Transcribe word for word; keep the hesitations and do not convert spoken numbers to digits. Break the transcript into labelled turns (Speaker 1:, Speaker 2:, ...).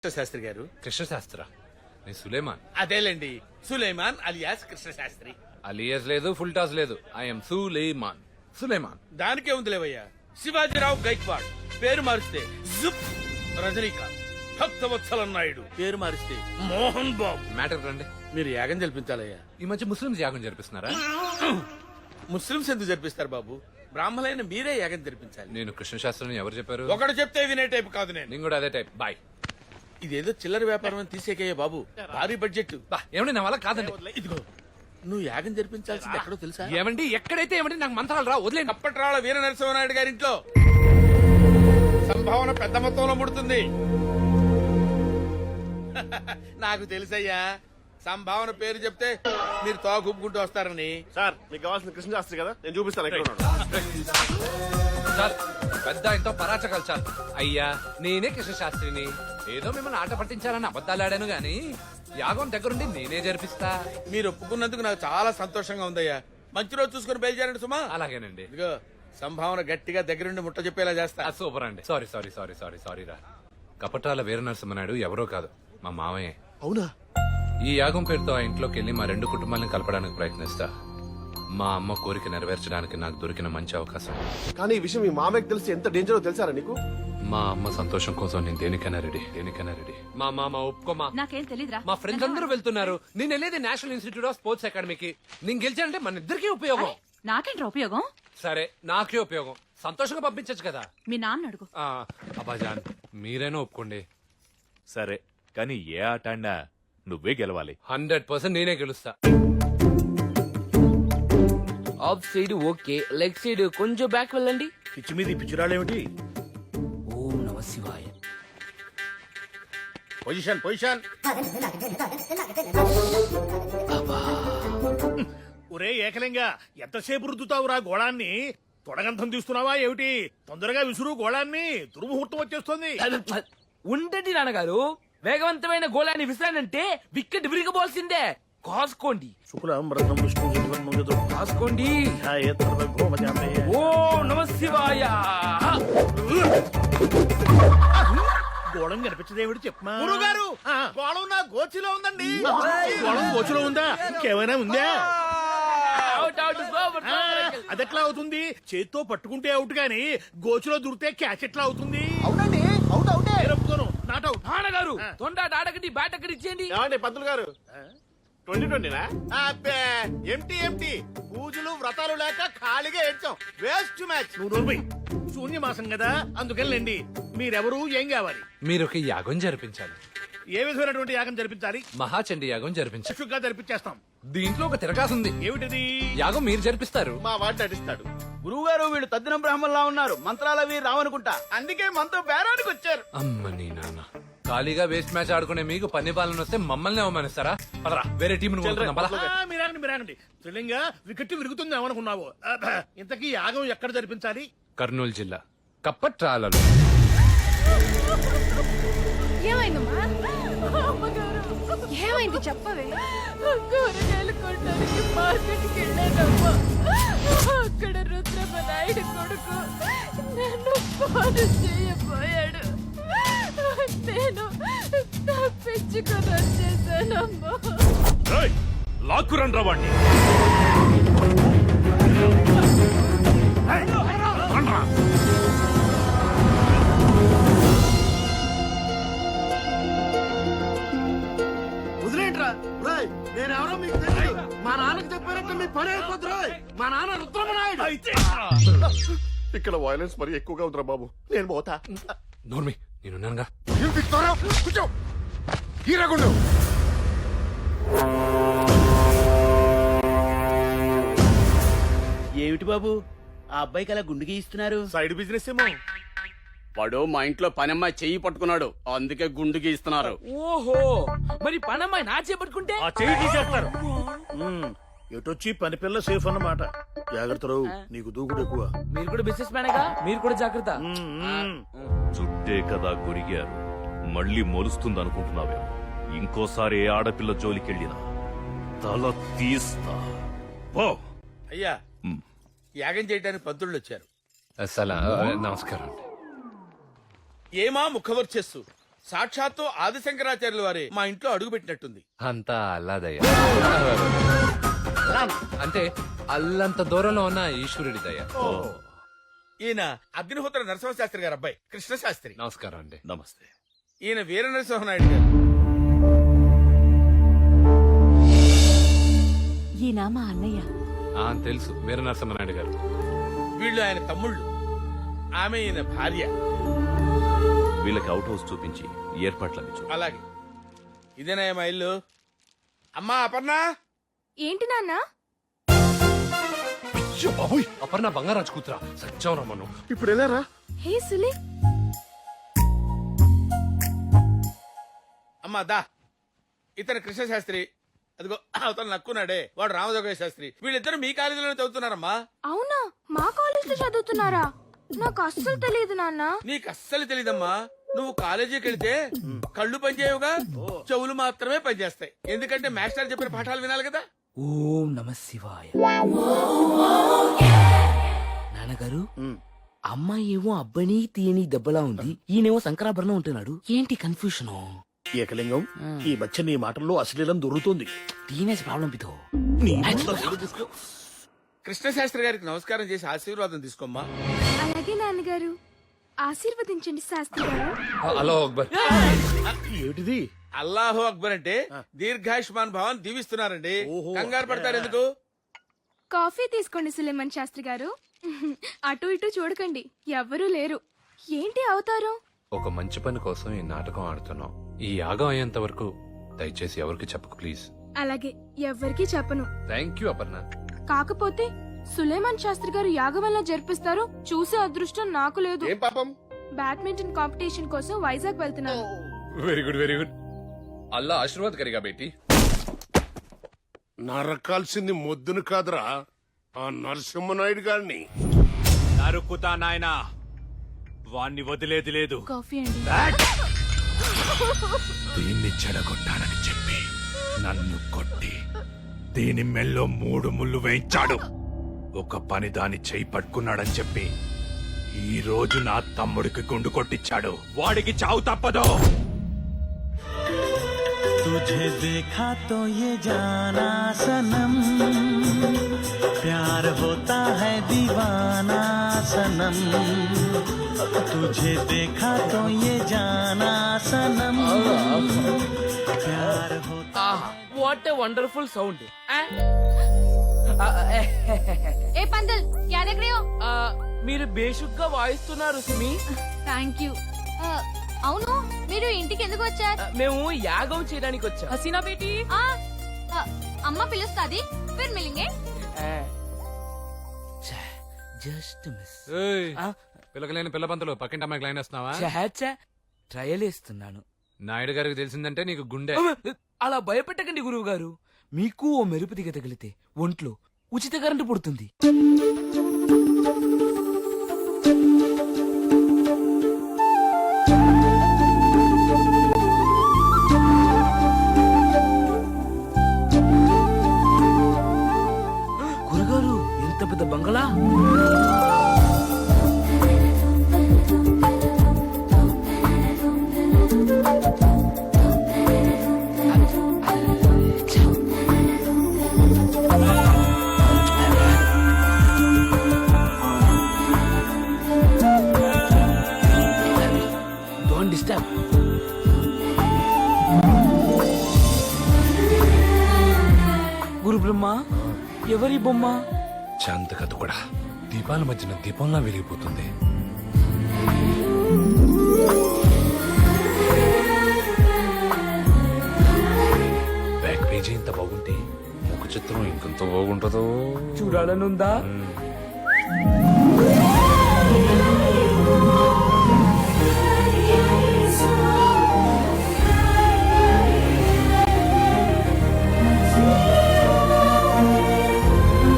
Speaker 1: శాస్త్రి గారు.
Speaker 2: కృష్ణశాస్త్ర నేను సులేమాన్.
Speaker 1: అదేలేండి, సులేమాన్ అలియాస్ కృష్ణ శాస్త్రి.
Speaker 2: అలియస్ లేదు, ఫుల్ టాస్ లేదు. ఐఎమ్ సులేమాన్. సులేమాన్
Speaker 1: దానికే ఉంది లేవయ్యా. శివాజీరావు గైక్వాడ్ పేరు మారిస్తే జుప్. రజనీకాంత్. భక్తవత్సల నాయుడు పేరు మారిస్తే మోహన్ బాబు.
Speaker 2: మ్యాటర్ రండి.
Speaker 1: మీరు యాగం జరిపించాలయ్యా.
Speaker 2: ఈ మధ్య ముస్లింస్ యాగం జరిపిస్తున్నారా?
Speaker 1: ముస్లింస్ ఎందుకు జరిపిస్తారు బాబు? బ్రాహ్మణులైన మీరే యాగం జరిపించాలి.
Speaker 2: నేను కృష్ణశాస్త్రం ఎవరు చెప్పారు?
Speaker 1: ఒకడు చెప్తే వినే టైప్ కాదు నేను.
Speaker 2: నేను కూడా అదే టైప్. బాయ్.
Speaker 1: ఇదేదో చిల్లర వ్యాపారం అని తీసేకయ్యా బాబు. భారీ బడ్జెట్.
Speaker 2: ఏమండి నా వల్ల కాదండి.
Speaker 1: ఇదిగో నువ్వు యాగం జరిపించాల్సింది ఎక్కడో తెలుసా?
Speaker 2: ఏమండి ఎక్కడైతే ఏమండి నాకు మంత్రాలు రా. వదిలే.
Speaker 1: కప్పట్రాళ్ళ వీర నరసింహనాయుడు గారింట్లో సంభావన పెద్ద మొత్తంలో ముడుతుంది. నాకు తెలుసయ్యా, సంభావన పేరు చెప్తే మీరు తోగుప్పుకుంటూ వస్తారని.
Speaker 3: సార్ మీకు కావాల్సిన కృష్ణ శాస్త్రి కదా, నేను చూపిస్తాను ఎక్కడ ఉన్నాడు.
Speaker 2: చాలు పెద్ద ఎంతో పరాచకాలు చాలు. అయ్యా నేనే కృష్ణశాస్త్రిని. ఏదో మిమ్మల్ని ఆట పట్టించాలని అబద్ధాలు ఆడాను గాని యాగం దగ్గరుండి నేనే జరిపిస్తా.
Speaker 1: మీరు ఒప్పుకున్నందుకు నాకు చాలా సంతోషంగా ఉందయ్యా. మంచి రోజు చూసుకుని బయలుదేరండి సుమా.
Speaker 2: అలాగేనండి.
Speaker 1: ఇదిగో సంభావన గట్టిగా దగ్గరుండి ముట్ట చెప్పేలా చేస్తా.
Speaker 2: సూపర్ అండి. Sorry sorry sorry sorry sorry రా. కపటాల వీర నరసింహనాయుడు ఎవరో కాదు, మా మావయ్య.
Speaker 3: అవునా?
Speaker 2: ఈ యాగం పేరుతో ఆ ఇంట్లోకి వెళ్లి మా రెండు కుటుంబాలను కలపడానికి ప్రయత్నిస్తా. మా అమ్మ కోరిక నెరవేర్చడానికి నాకు దొరికిన మంచి అవకాశం.
Speaker 3: కానీ ఈ విషయం మీ మామయ్యకి తెలిసి ఎంత డేంజరో తెలుసారా నీకు?
Speaker 2: మా అమ్మ సంతోషం కోసం నేను దేనికైనా రెడీ, దేనికైనా రెడీ. మా మామ ఒప్పుకోమా.
Speaker 4: నాకేం తెలీదురా.
Speaker 2: మా ఫ్రెండ్స్ అందరూ వెళ్తున్నారు. నేను వెళ్ళేది నేషనల్ ఇన్స్టిట్యూట్ ఆఫ్ స్పోర్ట్స్ అకాడమీకి. నేను గెలిచానంటే మన ఇద్దరికి ఉపయోగం.
Speaker 4: నాకేంట్రా ఉపయోగం?
Speaker 2: సరే నాకే ఉపయోగం. సంతోషంగా పంపించచ్చు కదా.
Speaker 4: మీ నాన్న అడుగు.
Speaker 2: ఆ, అబ్బాజాన్ మీరైనా ఒప్పుకోండి.
Speaker 5: సరే కానీ ఏ ఆట ఆడినా నువ్వే గెలవాలి.
Speaker 2: హండ్రెడ్ పర్సెంట్ నేనే గెలుస్తా.
Speaker 6: Off side okay, leg side కొంచెం బ్యాక్ వెళ్ళండి.
Speaker 1: పిచ్చి మీద పిచ్చిరాళ్ళేమిటి?
Speaker 6: ఓం నమ శివాయ.
Speaker 1: Position position.
Speaker 7: ఒరే ఏకలింగా, ఎంతసేపు రుద్దుతావురా గోళాన్ని? తొడగంతం తీస్తున్నావా ఏమిటి? తొందరగా విసురు గోళాన్ని, దుర్ముహూర్తం వచ్చేస్తుంది.
Speaker 6: ఉండండి నాన్నగారు, వేగవంతమైన గోళాన్ని విసిరానంటే వికెట్ విరిగబోల్సిందే. కాసుకోండి.
Speaker 7: శుక్లం రత్నం విష్ణు జగన్మోహితో
Speaker 6: కాసుకోండి.
Speaker 7: ఛాయేతర భోమజాతయే.
Speaker 6: ఓం నమ శివాయ.
Speaker 7: గోళం కనిపించదేమిటి చెప్పమా?
Speaker 1: గురుగారు, గోళం నా గోచిలో ఉందండి.
Speaker 7: గోళం గోచులో ఉందా? ఇంకేమైనా ఉందా?
Speaker 6: Out out super.
Speaker 7: అదెట్లా అవుతుంది? చేత్తో పట్టుకుంటే అవుట్ గాని గోచులో దూరితే క్యాచ్ ఎట్లా అవుతుంది?
Speaker 3: అవునండి, అవుట్ అవుటే.
Speaker 7: Not out.
Speaker 6: నాన్నగారు తొందర ఆడకండి, బ్యాట్ అక్కడ ఇచ్చేయండి.
Speaker 3: ఏమండి పంతులు గారు, ట్వంటీ ట్వంటీనా?
Speaker 1: ఎంటీ ఎంటీ పూజలు వ్రతాలు లేక ఖాళీగా ఏడ్చాం. Waste match.
Speaker 7: నువ్వు నోర్మై. శూన్యమాసం కదా, అందుకనిలేండి. మీరెవరు, ఏం కావాలి?
Speaker 2: మీరు ఒక యాగం జరిపించాలి.
Speaker 7: ఏ విధమైనటువంటి యాగం జరిపించాలి?
Speaker 2: మహాచండి యాగం జరిపించాలి.
Speaker 7: చక్షుగా జరిపించేస్తాం.
Speaker 2: దీంట్లో ఒక తిరగాసుంది.
Speaker 7: ఏమిటిది?
Speaker 2: యాగం మీరు జరిపిస్తారు.
Speaker 3: మా వాడు నటిస్తాడు.
Speaker 8: గురువు గారు, వీళ్ళు తద్దిన బ్రాహ్మణులా ఉన్నారు. మంత్రాలవి రావనుకుంటా, అందుకే మనతో బేరానికి వచ్చారు.
Speaker 2: అమ్మ నీ నాన్న, ఖాళీగా వేస్ట్ మ్యాచ్ ఆడుకునే మీకు పన్ని పాలన వస్తే మమ్మల్ని అవమానిస్తారా? పదరా వేరే టీం
Speaker 7: మీరాగండి మీరాగండి. త్రిలింగా వికెట్ విరుగుతుంది ఏమనుకున్నావు? అబ్బా, ఇంతకీ యాగం ఎక్కడ జరిపించాలి?
Speaker 2: కర్నూలు జిల్లా కప్పట్రాలలో.
Speaker 4: ఏమైందమ్మా? ఏమైంది చెప్పవే. కూరగాయలు కొనడానికి మార్కెట్కి వెళ్ళానమ్మా. అక్కడ రుద్రమ్మ నాయుడు కొడుకు నన్ను ఫోన్ చేయబోయాడు. నేను తప్పించుకొని వచ్చేసానమ్మా.
Speaker 5: లాక్కురండి రా వాణ్ణి.
Speaker 3: వదిలేంట్రా. నేను ఎవరో మీకు తెలియదు. మా నాన్నకి చెప్పారంటే మీ పని అయిపోద్దు. మా నాన్న రుద్రమనాయుడు. ఇక్కడ వైలెన్స్ మరి ఎక్కువగా ఉందిరా బాబు, నేను పోతా.
Speaker 2: నోర్మి నేనున్నానుగా.
Speaker 3: కూర్చో. హీరాగుండు.
Speaker 8: ఏమిటి బాబు, ఆ అబ్బాయికి అలా గుండు గీయిస్తున్నారు?
Speaker 7: సైడ్ బిజినెస్ ఏమో.
Speaker 8: వాడు మా ఇంట్లో పనమ్మాయి చెయ్యి పట్టుకున్నాడు, అందుకే గుండు గీస్తున్నారు.
Speaker 6: ఓహో, మరి పనమ్మాయి నా చేపట్టుకుంటే
Speaker 7: ఆ చెయ్యి తీసేస్తారు. ఎటొచ్చి పని పిల్ల సేఫ్ అన్నమాట. జాగ్రత్త, నీకు దూకుడు ఎక్కువ.
Speaker 6: మీరు కూడా బిజినెస్ మ్యానేగా, మీరు కూడా జాగ్రత్త.
Speaker 5: చుట్టే కదా గురిగారు, మళ్ళీ మొలుస్తుంది అనుకుంటున్నావేమో. ఇంకోసారి ఏ ఆడపిల్ల జోలికెళ్ళినా తల తీస్తా. పో.
Speaker 1: అయ్యా, యాగం చేయడానికి పంతుళ్ళు వచ్చారు.
Speaker 2: అసలు నమస్కారం.
Speaker 1: ఏమా ముఖవర్చస్సు, సాక్షాత్తు ఆదిశంకరాచార్యుల వారే మా ఇంట్లో అడుగు పెట్టినట్టుంది.
Speaker 2: అంతా అల్లాదయ్య. అంటే అల్లంత దూరంలో ఉన్న ఈశ్వరుడి దయ.
Speaker 1: ఈయన అగ్నిహోత్ర నరసింహశాస్త్రి గారు అబ్బాయి కృష్ణశాస్త్రి.
Speaker 2: నమస్కారం అండి.
Speaker 5: నమస్తే.
Speaker 1: ఈయన వీర నరసింహనాయుడు గారు.
Speaker 4: ఈయన మా అన్నయ్య.
Speaker 2: ఆ, తెలుసు, వీర నరసింహనాయుడు గారు.
Speaker 1: వీళ్ళు ఆయన తమ్ముళ్ళు, ఆమె ఈయన భార్య.
Speaker 5: వీళ్ళకి అవుట్ హౌస్ చూపించి ఏర్పాట్లవి చూ.
Speaker 1: అలాగే ఇదేనా మా ఇల్లు? అమ్మా అపర్ణ,
Speaker 4: ఏంటి నాన్న?
Speaker 3: అయ్యో బాబోయ్,
Speaker 2: అపర్ణ బంగారాజు కూతురా, సత్యం రమ్మను.
Speaker 3: ఇప్పుడు వెళ్ళారా?
Speaker 4: హే సులే,
Speaker 1: అమ్మా దా. ఇతను కృష్ణశాస్త్రి, అదిగో అతను నక్కున్నాడే వాడు రామజోగయ్య శాస్త్రి. వీళ్ళిద్దరు మీ కాలేజీలోనే చదువుతున్నారమ్మా.
Speaker 4: అవునా? మా కాలేజ్ లో చదువుతున్నారా? నాకు అస్సలు తెలియదు నాన్న.
Speaker 1: నీకు అస్సలు తెలీదమ్మా. నువ్వు కాలేజీకి వెళ్తే కళ్ళు పనిచేయవుగా, చెవులు మాత్రమే పనిచేస్తాయి. ఎందుకంటే మాస్టర్ చెప్పిన పాఠాలు వినాలి కదా.
Speaker 6: ఓం నమ శివాయ. నాన్నగారు, అమ్మాయి ఏమో అబ్బాయిని తీయని దెబ్బలా ఉంది, ఈయనేమో శంకరాభరణం ఉంటున్నాడు. ఏంటి కన్ఫ్యూషన్?
Speaker 7: ఏకలింగం, ఈ మధ్య నీ మాటల్లో అశ్లీలం దొరుకుతుంది.
Speaker 6: Teenage problem పితో.
Speaker 1: కృష్ణశాస్త్రి గారికి నమస్కారం చేసి ఆశీర్వాదం తీసుకోమ్మా.
Speaker 4: అలాగే నాన్నగారు, ఆశీర్వదించండి శాస్త్రి గారు.
Speaker 2: హలో అక్బర్.
Speaker 7: ఏమిటిది?
Speaker 1: అల్లాహు అక్బర్ అంటే దీర్ఘాయుష్మాన్ భవన్ దీవిస్తున్నారండి.
Speaker 7: ఓహో.
Speaker 1: కంగారు పడతారు ఎందుకు?
Speaker 4: కాఫీ తీసుకోండి సులేమన్ శాస్త్రి గారు. అటు ఇటు చూడకండి, ఎవ్వరూ లేరు. ఏంటి అవతారం?
Speaker 2: ఒక మంచి పని కోసం ఈ నాటకం ఆడుతున్నాం. ఈ యాగం అయ్యేంత వరకు దయచేసి ఎవరికి చెప్పకు ప్లీజ్.
Speaker 4: అలాగే, ఎవ్వరికీ చెప్పను.
Speaker 2: Thank you Aparna.
Speaker 4: కాకపోతే సులేమాన్ శాస్త్రి గారు యాగం వల్ల జరిపిస్తారు, చూసే అదృష్టం నాకు లేదు.
Speaker 3: ఏం పాపం?
Speaker 4: బ్యాడ్మింటన్ కాంపిటీషన్ కోసం వైజాగ్ వెళ్తున్నాను.
Speaker 2: Very good very good. Allah ఆశీర్వాద్ కరిగా బేటీ.
Speaker 3: నరకాల్సింది మొద్దును కాదురా, ఆ నరసింహనాయుడు గారిని.
Speaker 5: నరుకుతా నాయనా, వాణ్ణి వదిలేది లేదు.
Speaker 4: కాఫీ అండి.
Speaker 5: దీన్ని చెడగొట్టానని చెప్పి నన్ను కొట్టి దీని మెల్లో మూడు ముళ్ళు వేయించాడు. ఒక పని దాని చేయి పట్టుకున్నాడని చెప్పి ఈ రోజు నా తమ్ముడికి గుండు కొట్టించాడు. వాడికి చావు తప్పదు.
Speaker 9: तुझे देखा तो ये जाना सनम, प्यार होता है दीवाना सनम, तुझे देखा तो ये जाना सनम, प्यार होता
Speaker 6: వాట్ ఏ వండర్ఫుల్ సౌండ్.
Speaker 4: ఏ పందల్, క్యా దేఖ్ రహే హో?
Speaker 6: మీరు బేషుగ్గా వాయిస్తున్నారు సుమి.
Speaker 4: Thank you. అవును, మీరు ఇంటికి ఎందుకు వచ్చారు?
Speaker 6: ఆ, మేము యాగం చేయడానికి వచ్చాం. హసీనా బేటీ.
Speaker 4: అమ్మ పిలుస్తాది, ఫిర్ మిలింగే.
Speaker 6: Just miss.
Speaker 2: పిల్లకలేని పిల్ల పంతులు పక్కింటి అమ్మాయికి లైన్ వేస్తున్నావా?
Speaker 6: ట్రయల్ ఇస్తున్నాను.
Speaker 2: నాయుడు గారికి తెలిసిందంటే నీకు గుండె.
Speaker 6: అలా భయపెట్టకండి గురువు గారు. మీకు ఓ మెరుపు దిగ తగిలితే ఒంట్లో ఉచిత కరెంటు పుడుతుంది. గురుగారు, ఎంత పెద్ద బంగళా! Don't disturb. గురు బ్రహ్మ, ఎవరి బొమ్మ?
Speaker 2: శాంత కథ కూడా దీపాల మధ్యన దీపంలా వెలిగిపోతుంది. బ్యాక్ పేజీ ఇంత బాగుంటే ముఖ చిత్రం ఇంకొంత బాగుంటుందో.
Speaker 6: చూడాలనుందా?